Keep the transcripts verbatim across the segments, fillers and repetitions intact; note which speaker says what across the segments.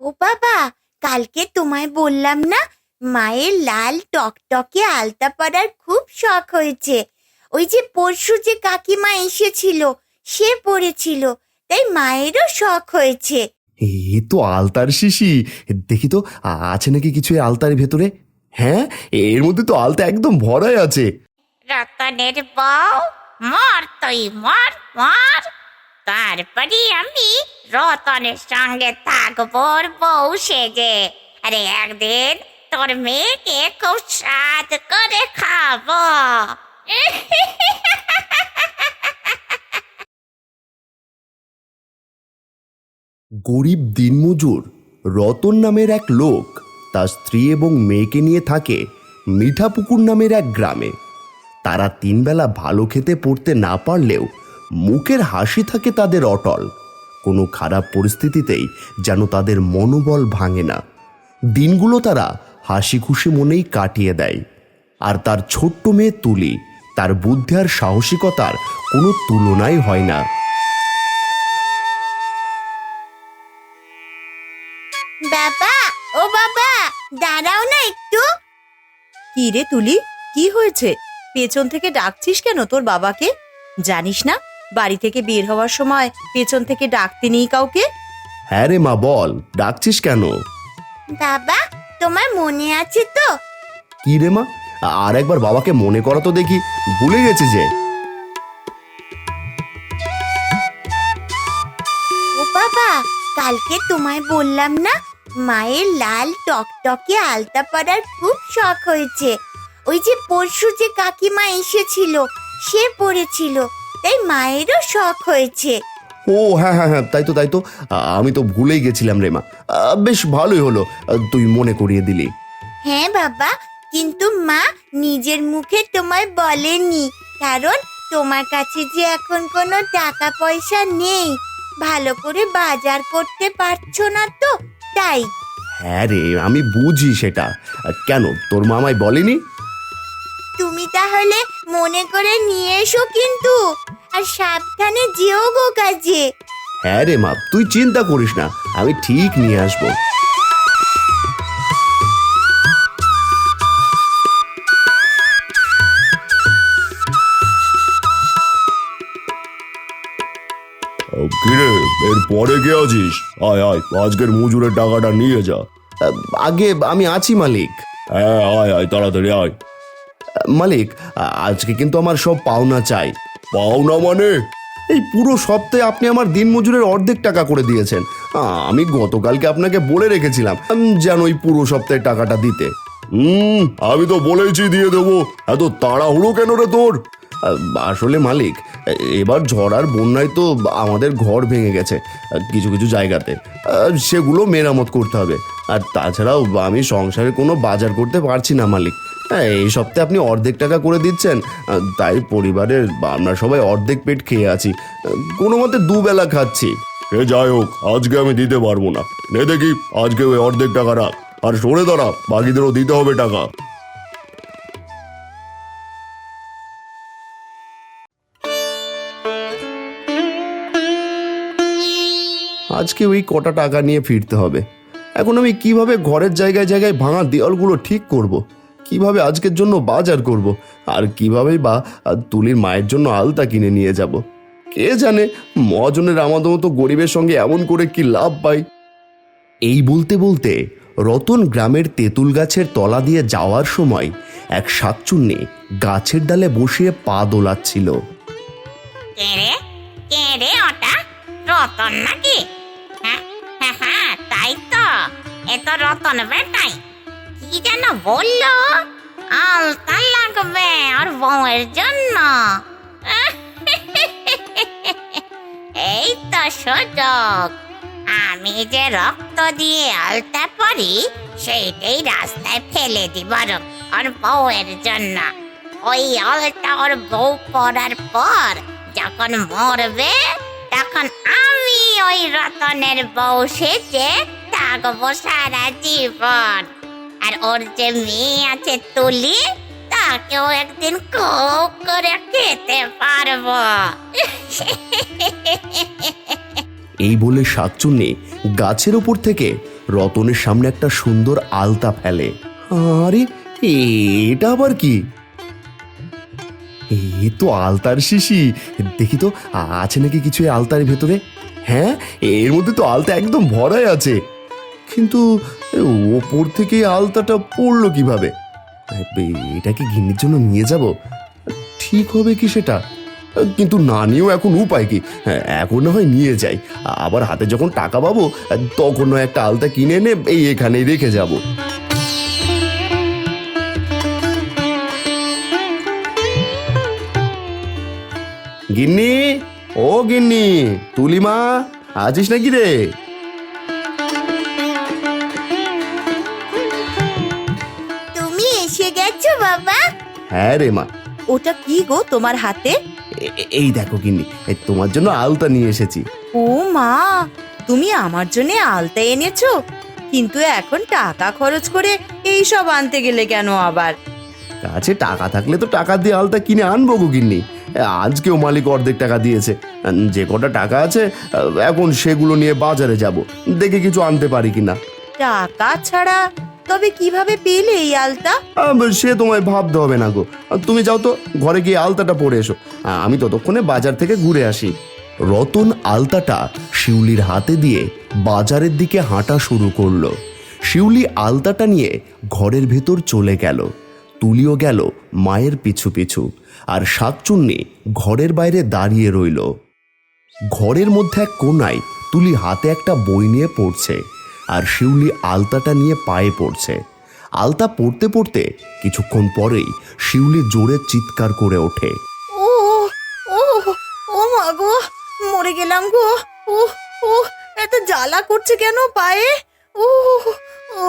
Speaker 1: ও বাবা, কালকে তোমায় বললাম না মায়ের লাল টকটকে আলতা পরার খুব শখ হয়েছে। ওই যে পরশু যে কাকিমা এসেছিল সে পরেছিল, তাই মায়েরও শখ হয়েছে।
Speaker 2: এ তো আলতার শিশি, দেখি তো আছে নাকি কিছু এই আলতার ভেতরে। হ্যাঁ, এর মধ্যে তো আলতা একদম ভরাই আছে।
Speaker 3: রতনের বউ, মর তুই মর মর, তারপরে আমি রতনের সঙ্গে থাকবো ওর বউ সেজে। আরে একদিন তোর মেয়েকে খুব স্বাদ করে খাবো।
Speaker 2: গরিব দিনমজুর রতন নামের এক লোক তার স্ত্রী এবং মেয়েকে নিয়ে থাকে মিঠাপুকুর নামের এক গ্রামে। তারা তিনবেলা ভালো খেতে পড়তে না পারলেও মুখের হাসি থাকে তাদের অটল। কোনো খারাপ পরিস্থিতিতেই যেন তাদের মনোবল ভাঙে না। দিনগুলো তারা হাসি খুশি মনেই কাটিয়ে দেয়। আর তার ছোট্ট মেয়ে তুলি, তার বুদ্ধি আর সাহসিকতার কোনো তুলনাই হয় না।
Speaker 1: বাবা, ও বাবা, দাঁড়াও না একটু।
Speaker 4: কি রে তুলি, কি হয়েছে? পেছন থেকে ডাকছিস কেন তোর বাবাকে? জানিস না বাড়ি থেকে বের হওয়ার সময় পেছন থেকে ডাকতে নেই কাউকে?
Speaker 2: হ্যাঁ রে মা, বল, ডাকছিস কেন?
Speaker 1: বাবা, তোমার মনে আছে তো?
Speaker 2: কি রে মা, আর একবার বাবাকে মনে করা তো দেখি, ভুলে গেছি যে।
Speaker 1: ও বাবা, কালকে তোমায় বললাম না মায়ের লাল টকটকে আলতা পরার খুব শখ হয়েছে। ওই যে পরশু যে কাকিমা এসেছিল সে পরেছিল, তাই মায়েরও শখ হয়েছে।
Speaker 2: ও হ্যাঁ হ্যাঁ হ্যাঁ, তাই তো তাই তো, আমি তো ভুলেই গেছিলাম রে মা। বেশ ভালোই হলো তুই মনে করিয়ে দিলি।
Speaker 1: হ্যাঁ বাবা, কিন্তু মা নিজের মুখে তোমায় বলেনি, কারণ তোমার কাছে যে এখন কোনো টাকা পয়সা নেই, ভালো করে বাজার করতে পারছো না তো তাই।
Speaker 2: হ্যাঁ রে, আমি বুঝি সেটা। কেন, তোর মামাই বলেনি?
Speaker 1: তুমি তাহলে মনে করে নিয়ে এসো কিন্তু, আর সাবধানে যেও গো কাজে।
Speaker 2: হ্যাঁ রে মা, তুই চিন্তা করিস না, আমি ঠিক নিয়ে আসবো। কিরে, এর পরে কে আছিস? আয় আয়, আজকের মজুরের টাকাটা নিয়ে যা। আগে আমি আছি মালিক। হ্যাঁ আয় আয়, তাড়াতাড়ি আয়। মালিক, আজকে কিন্তু আমার সব পাওনা চাই। পাওনা মানে? এই পুরো সপ্তাহে আপনি আমার দিন মজুরের অর্ধেক টাকা করে দিয়েছেন। আমি গতকালকে আপনাকে বলে রেখেছিলাম যেন ওই পুরো সপ্তাহে টাকাটা দিতে। হুম, আমি তো বলেইছি দিয়ে দেবো, এত তাড়াহুড়ো কেন রে তোর? আসলে মালিক, এবার ঝড় আর বন্যায় তো আমাদের ঘর ভেঙে গেছে কিছু কিছু জায়গাতে, সেগুলো মেরামত করতে হবে। আর তাছাড়াও আমি সংসারে কোনো বাজার করতে পারছি না মালিক। এই সপ্তাহে আপনি অর্ধেক টাকা করে দিচ্ছেন, তাই পরিবারের আমরা সবাই অর্ধেক পেট খেয়ে আছি, কোনো মতে দুবেলা খাচ্ছি। সে যাই হোক, আজকে আমি দিতে পারবো না। নে দেখি, আজকে ওই অর্ধেক টাকা রাখ, আর সরে দাঁড়া, বাকিদেরও দিতে হবে টাকা। আজকে ওই কটা টাকা নিয়ে ফিরতে হবে। এখন আমি কিভাবে ঘরের জায়গায় জায়গায় ভাঙা দেওয়ালগুলো ঠিক করব, কিভাবে আজকের জন্য বাজার করব, আর কিভাবেই বা তুলির মায়ের জন্য আলতা কিনে নিয়ে যাব। কে জানে মহাজনের আমাদের মতো গরিবের সঙ্গে এমন করে কি লাভ পাই। এই বলতে বলতে রতন গ্রামের তেঁতুল গাছের তলা দিয়ে যাওয়ার সময় এক শাকচুন্নি গাছের ডালে বসিয়ে পা দোলাচ্ছিল।
Speaker 3: কে রে, কে রে ওটা? রতন নাকি? হ্যাঁ হ্যাঁ হ্যাঁ, তাই তো, এ তো রতন বেটাই। কি যেন বললো, আলতা লাগবে আর বউয়ের জন্য। এই তো সুযোগ, আমি যে রক্ত দিয়ে আলতা পরি সেইটাই রাস্তায় ফেলে দিব আর বউয়ের জন্য। ওই আলতা ওর বউ পরার পর যখন মরবে, তখন আমি ওই রতনের বউ সেজে থাকবো সারা জীবন। আর ওর যে মেয়ে আছে তুলি, তাকেও একদিন খুব করে খেতে পারবো।
Speaker 2: এই বলে শাকচুন্নি গাছের ওপর থেকে রতনের সামনে একটা সুন্দর আলতা ফেলে। আরে এটা আবার কি? এ তো আলতার শিশি। দেখি তো আছে নাকি কিছু এই আলতার ভেতরে। হ্যাঁ, এর মধ্যে তো আলতা একদম ভরাই আছে, কিন্তু ওপর থেকে আলতাটা পড়লো কিভাবে? এটাকে গিন্নির জন্য নিয়ে যাব? ঠিক হবে কি সেটা? কিন্তু না নিয়েও এখন উপায় কি? হ্যাঁ, এখন না হয় নিয়ে যাই, আবার হাতে যখন টাকা পাবো তখন নয় একটা আলতা কিনে এনে এই এখানেই রেখে যাব। গিন্নি, ও গিন্নি, তুলিমা, আছিস নাকি রে?
Speaker 1: তুমি এসে গেছো বাবা?
Speaker 2: হ্যাঁ রে মা।
Speaker 4: ওটা কি গো তোমার হাতে?
Speaker 2: এ- এ- এই দেখো গিন্নি, এই তোমার জন্য আলতা নিয়ে এসেছি।
Speaker 4: ও মা, তুমি আমার জন্য আলতা এনেছো? কিন্তু এখন টাকা খরচ করে এই সব আনতে গেলে কেন আবার?
Speaker 2: কাছে টাকা থাকলে তো টাকা দিয়ে আলতা কিনে আনবো গো গিন্নি। আজকেও মালিক অর্ধেক টাকা দিয়েছে। যে কটা টাকা আছে এখন সেগুলো নিয়ে বাজারে যাব, দেখে কিছু আনতে পারি কিনা।
Speaker 4: টাকা ছাড়া তবে কিভাবে পেলে এই আলতা?
Speaker 2: আহ, সে তোমায় ভাবতে হবে না গো। তুমি যাও তো ঘরে গিয়ে আলতাটা পরে এসো, আমি ততক্ষণে বাজার থেকে ঘুরে আসি। রতন আলতাটা শিউলির হাতে দিয়ে বাজারের দিকে হাঁটা শুরু করলো। শিউলি আলতাটা নিয়ে ঘরের ভেতর চলে গেল। তুলিও গেল মায়ের পিছু পিছু, আর শাকচুন্নি ঘরের বাইরে দাঁড়িয়ে রইল। ঘরের মধ্যে এক কোনায় তুলি হাতে একটা বই নিয়ে পড়ছে, আর শিউলি আলতাটা নিয়ে পায়ে পড়ছে। আলতা পড়তে পড়তে কিছুক্ষণ পরেই শিউলি জোরে চিৎকার করে ওঠে।
Speaker 4: ও ও ও মা গো, মরে গেলাম গো। ও ও এত জ্বালা করছে কেন পায়ে? ও ও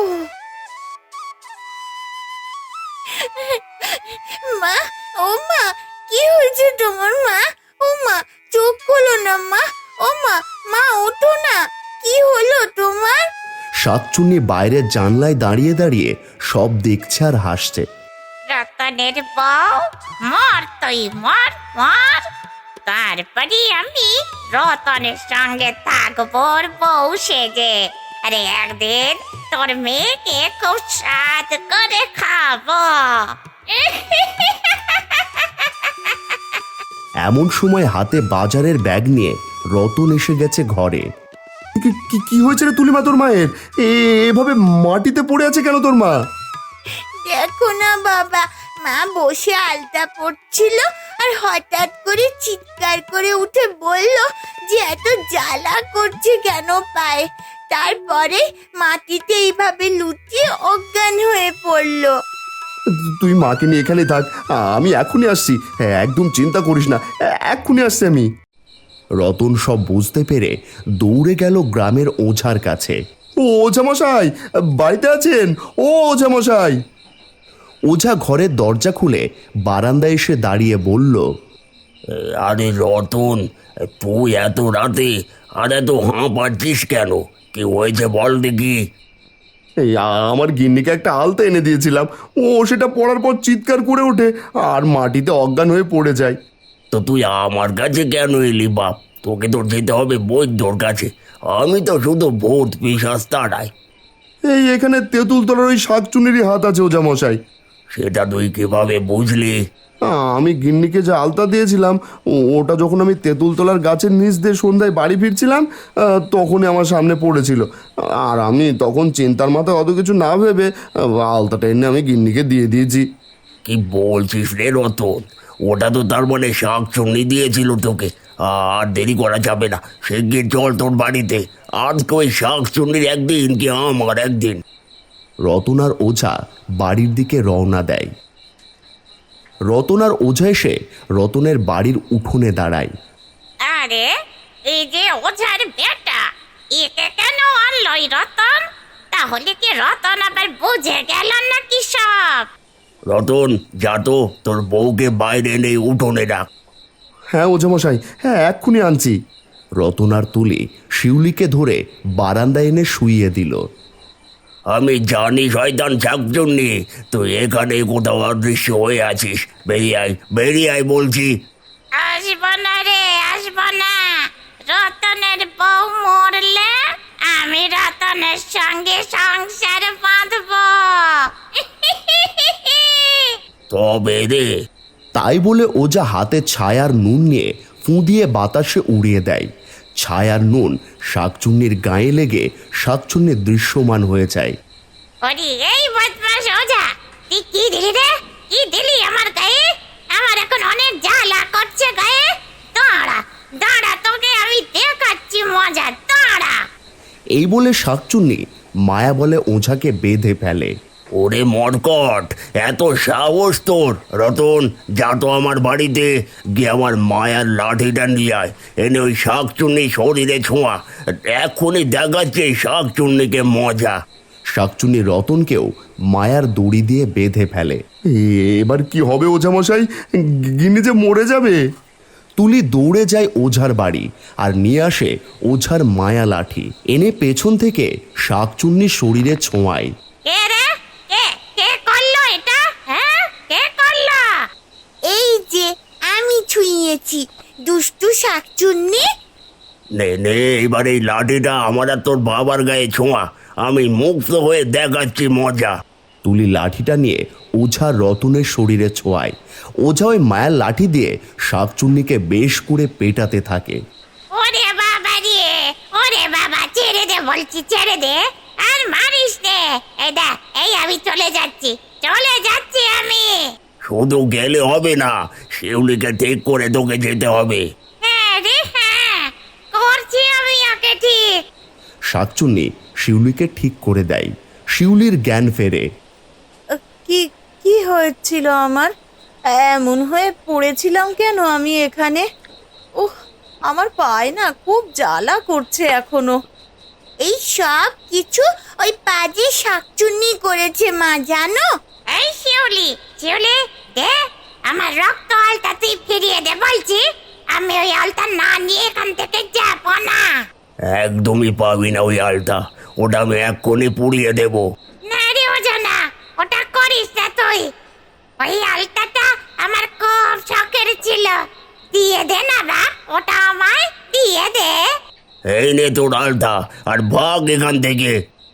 Speaker 1: মা, ও মা, কি হয়েছে তোমার মা? ও মা, চোখ খোলো না মা। ও মা, মা ওঠো না, কি হলো তোমার?
Speaker 2: শাকচুন্নি বাইরের জানলায় দাঁড়িয়ে দাঁড়িয়ে সব দেখছে আর হাসছে।
Speaker 3: রতনের বউ, মর তুই মর মর, তারপরে আমি রতনের সঙ্গে থাকবো ওর বউ সেজে। আরে একদিন তোর মেয়েকে খুব স্বাদ করে খাবো।
Speaker 2: এমন সময় হাতে বাজারের ব্যাগ নিয়ে রতন এসে গেছে ঘরে। কি- কি- কি হয়েছে রে তুলিমা তোর মায়ের? এ- এভাবে মাটিতে পড়ে আছে কেন তোর মা?
Speaker 1: দেখো না বাবা, মা বসে আলতা পড়ছিল আর হঠাৎ করে চিৎকার করে উঠে বলল যে এত জ্বালা করছে কেন পায়ে। তারপরে মাটিতে এইভাবে লুটিয়ে অজ্ঞান হয়ে পড়লো।
Speaker 2: তুই মাকে নিয়ে এখানে থাক, আমি এখনই আসছি। হ্যাঁ, একদম চিন্তা করিস না, এ- এক্ষুনি আসছি আমি। রতন সব বুঝতে পেরে দৌড়ে গেল গ্রামের ওঝার কাছে। ও ওঝা মশাই, বাড়িতে আছেন? ও ওঝা মশাই। ওঝা ঘরের দরজা খুলে বারান্দায় এসে দাঁড়িয়ে বলল,
Speaker 5: আরে রতন, তুই এত রাতে আর এত হাঁ পাচ্ছিস কেন? কি হয়েছে বল দেখি।
Speaker 2: এই আমার গিন্নিকে একটা আলতা এনে দিয়েছিলাম, ও সেটা পড়ার পর চিৎকার করে ওঠে আর মাটিতে অজ্ঞান হয়ে পড়ে যায়।
Speaker 5: তো তুই আমার কাছে কেন এলি বাপ? তোকে তো যেতে হবে বৈদ্যর কাছে। আমি তো শুধু ভূত পিশাচ তাড়াই।
Speaker 2: এই এখানে তেঁতুল তলার ওই শাকচুনিরই হাত আছে ওঝা মশাই।
Speaker 5: সেটা তুই কিভাবে বুঝলি?
Speaker 2: আমি গিন্নিকে যে আলতা দিয়েছিলাম ও- ওটা যখন আমি তেঁতুলতলার গাছের নিচ দিয়ে সন্ধ্যায় বাড়ি ফিরছিলাম আহ, তখনই আমার সামনে পড়েছিল, আর আমি তখন চিন্তার মাথায় অত কিছু না ভেবে আহ, আলতাটা এনে আমি গিন্নিকে দিয়ে দিয়েছি।
Speaker 5: কি বলছিস রে রতন? ওটা তো তার মানে শাক চুন্নি দিয়েছিল তোকে। আর দেরি করা যাবে না, সে গিয়ে চল তোর বাড়িতে। আজকে ওই শাক চুন্নির একদিন কি আমার একদিন।
Speaker 2: রতন আর ওঝা বাড়ির দিকে রওনা দেয়। রতন আর ওঝা এসে রতনের বাড়ির উঠোনে দাঁড়ায়।
Speaker 3: আরে এই যে ওঝার বেটা, একে কেন আনলই রতন? তাহলে কি রতন আবার বুঝে গেল নাকি সব?
Speaker 5: রতন, যা তো তোর বউকে বাইরে এনে উঠোনে রাখ।
Speaker 2: হ্যাঁ ওঝা মশাই, হ্যাঁ এক্ষুনি আনছি। রতন আর তুলি শিউলিকে ধরে বারান্দায় এনে শুইয়ে দিল।
Speaker 5: আমি জানি শয়তান শাকচুন্নি, তুই এখানে কোথাও অদৃশ্য হয়ে আছিস। বেরিয়ে আয়, বেরিয়ে আয় বলছি।
Speaker 3: আসবো না রে, আসবো না। রতনের বউ মরলে আমি রতনের সঙ্গে সংসার বাঁধবো।
Speaker 5: তবে রে,
Speaker 2: তাই বলে ওঝা হাতে ছায়ার নুন নিয়ে ফু দিয়ে বাতাসে উড়িয়ে দেয়। ছায়ার নুন শাকচুন্নির গায়ে লেগে শাকচুন্নি দৃশ্যমান হয়ে যায়।
Speaker 3: ওরে এই বদমাস ওঝা, তুই কি দিলি রে? কি দিলি আমার গায়ে? আমার এখন অনেক জ্বালা করছে গায়ে। দাঁড়া দাঁড়া, তোকে আমি দেখাচ্ছি মজা, দাঁড়া।
Speaker 2: এই বলে শাকচুন্নি মায়া বলে ওঝাকে বেঁধে ফেলে।
Speaker 5: ওরে মরকট, এত সাহস তোর! রতন, যা তো আমার বাড়িতে গিয়ে আমার মায়ার লাঠিটা নিয়ে আয়, এনে ওই শাকচুন্নি শরীরে ছোঁয়া। এখনই দেখাচ্ছে শাকচুন্নিকে মজা।
Speaker 2: শাকচুন্নি রতনকেও মায়ার দড়ি দিয়ে বেঁধে ফেলে। এবার কি হবে ওঝামশাই? গিন্নি যে মরে যাবে। তুলি দৌড়ে যায় ওঝার বাড়ি আর নিয়ে আসে ওঝার মায়া লাঠি, এনে পেছন থেকে শাকচুন্নির শরীরে ছোঁয়ায়।
Speaker 3: কে রে? কে কে করলো এটা? হ্যাঁ, কে করলো?
Speaker 1: এই যে আমি ছুঁয়েছি, দুষ্টু শাকচুন্নি।
Speaker 5: নে নে, এবার এই লাঠিটা আমার আর তোর বাবার গায়ে ছোঁয়া, আমি মুক্ত হয়ে দেখাচ্ছি মজা।
Speaker 2: তুলি লাঠিটা নিয়ে ওঝা রতনের শরীরে ছোঁয়ায়। ওঝা ওই মায়ার লাঠি দিয়ে শাকচুন্নিকে বেশ করে পেটাতে থাকে।
Speaker 3: ওরে বাবা রে, ওরে বাবা, ছেড়ে দে বলছি, ছেড়ে দে, আর মারিস নে। এই দেখ, এই আমি চলে যাচ্ছি, চলে যাচ্ছি আমি।
Speaker 5: শুধু গেলে হবে না, শিউলিকে ঠিক করে তোকে যেতে হবে।
Speaker 3: হ্যাঁ রে হ্যাঁ, করছি আমি ওকে ঠিক।
Speaker 2: শাকচুন্নি শিউলিকে ঠিক করে দেয়। শিউলির জ্ঞান ফেরে।
Speaker 4: আহ, কি কি হয়েছিল আমার? এমন হয়ে পড়েছিলাম কেন আমি এখানে? উহ, আমার পায়ে না খুব জ্বালা করছে এখনো।
Speaker 1: এই সব কিছু ওই পাজি শাকচুন্নি করেছে মা, জানো?
Speaker 3: এই শিউলি, শিউলি, দে আমার রক্ত আলতা, তুই ফিরিয়ে দে বলছি। আমি ওই আলতা না নিয়ে এখান থেকে যাবো না।
Speaker 5: একদমই পাবি না ওই আলটা, ওটা আমি এক্ষুনি পুড়িয়ে দেবো।
Speaker 3: না রে ওজা, না, ওটা করিস না তুই। ওই আলতাটা আমার খুব শখের ছিল, দিয়ে দে না বা, ওটা আমায় দিয়ে দে।
Speaker 5: এই নে তোর আলটা, আর ভাগ এখান থেকে।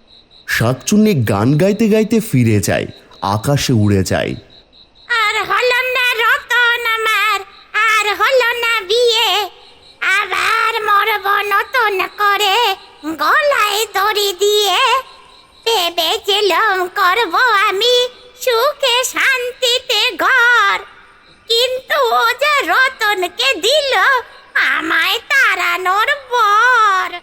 Speaker 2: শাকচুন্নি গান গাইতে গাইতে ফিরে যায়, আকাশে উড়ে যায়।
Speaker 3: আর হলো না রতন আমার, আর হলো না বিয়ে, আবার মরব নতুন করে গলায় দড়ি দিয়ে। ভেবেছিলাম করব আমি সুখে শান্তিতে ঘর, কিন্তু ও যে রতনকে দিল আমায় তাড়ানোর বর।